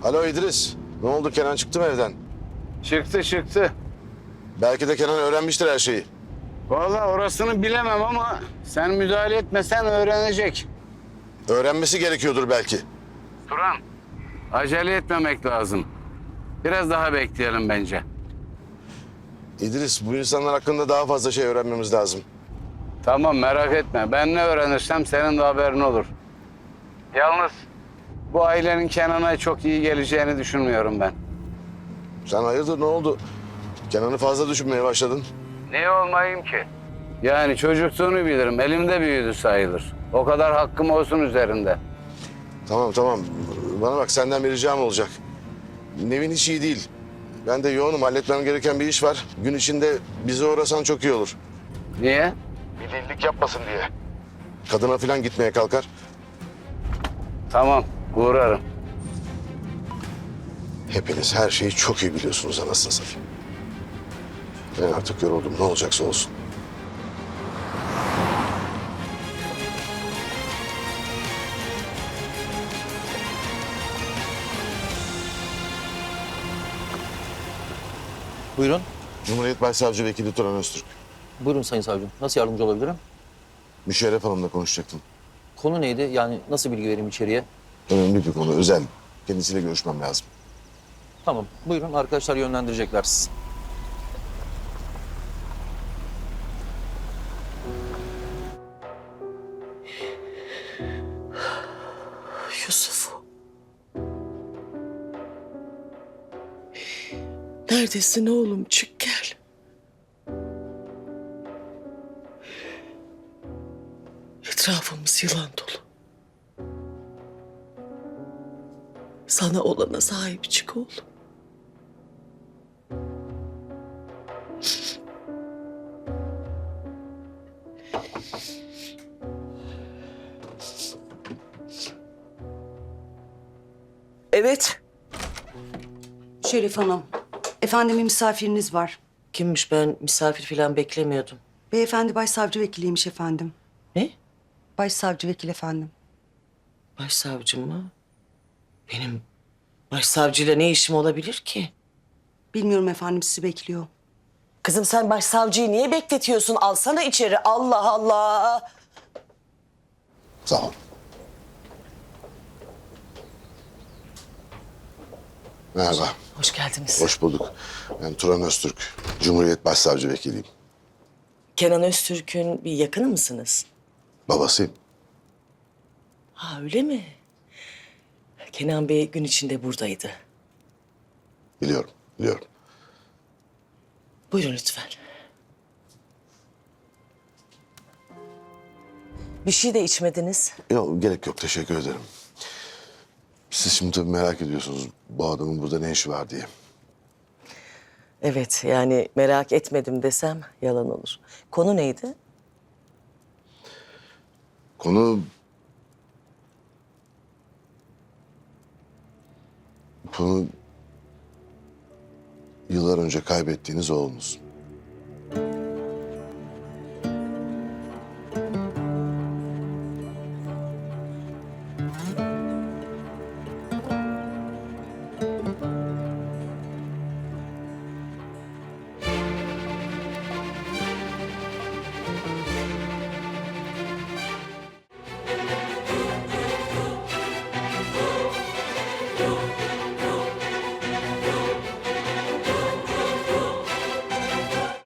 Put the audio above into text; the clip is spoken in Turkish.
Alo İdris. Ne oldu, Kenan çıktı mı evden? Çıktı. Belki de Kenan öğrenmiştir her şeyi. Vallahi orasını bilemem ama sen müdahale etmesen öğrenecek. Öğrenmesi gerekiyordur belki. Turan, acele etmemek lazım. Biraz daha bekleyelim bence. İdris, bu insanlar hakkında daha fazla şey öğrenmemiz lazım. Tamam, merak etme. Ben ne öğrenirsem senin de haberin olur. Yalnız bu ailenin Kenan'a çok iyi geleceğini düşünmüyorum ben. Sen hayırdır, ne oldu? Kenan'ı fazla düşünmeye başladın. Niye olmayayım ki? Yani çocukluğunu bilirim. Elimde büyüdü sayılır. O kadar hakkım olsun üzerinde. Tamam. Bana bak, senden bir ricam olacak. Nevin hiç iyi değil. Ben de yoğunum, halletmem gereken bir iş var. Gün içinde bize uğrasan çok iyi olur. Niye? Bir delilik yapmasın diye. Kadına falan gitmeye kalkar. Tamam, uğrarım. Hepiniz her şeyi çok iyi biliyorsunuz anasını satayım. Ben artık yoruldum, ne olacaksa olsun. Buyurun. Cumhuriyet Başsavcı Vekili Turan Öztürk. Buyurun Sayın Savcım. Nasıl yardımcı olabilirim? Müşerref Hanım'la konuşacaktım. Konu neydi? Yani nasıl bilgi vereyim içeriye? Önemli bir konu, özel. Kendisiyle görüşmem lazım. Tamam. Buyurun. Arkadaşlar yönlendirecekler sizi. Yusuf. Neredesin oğlum? Çık gel. Etrafımız yılan dolu. Sana olana sahip çık oğlum. Evet. Şerif Hanım, efendim bir misafiriniz var. Kimmiş, ben misafir falan beklemiyordum. Beyefendi başsavcı vekiliymiş efendim. Ne? Başsavcı vekil efendim. Başsavcım mı? Benim başsavcıyla ne işim olabilir ki? Bilmiyorum efendim, sizi bekliyor. Kızım sen başsavcıyı niye bekletiyorsun? Alsana içeri. Allah Allah. Sağ ol. Merhaba, Hoş geldiniz. hoş bulduk. Ben Turan Öztürk, Cumhuriyet Başsavcı Vekiliyim. Kenan Öztürk'ün bir yakını mısınız? Babasıyım. Ha öyle mi? Kenan Bey gün içinde buradaydı. Biliyorum. Buyurun lütfen. Bir şey de içmediniz. Yok, gerek yok, teşekkür ederim. Siz şimdi tabii merak ediyorsunuz bu adamın burada ne işi var diye. Evet yani merak etmedim desem yalan olur. Konu neydi? Konu... Konu... Yıllar önce kaybettiğiniz oğlunuz.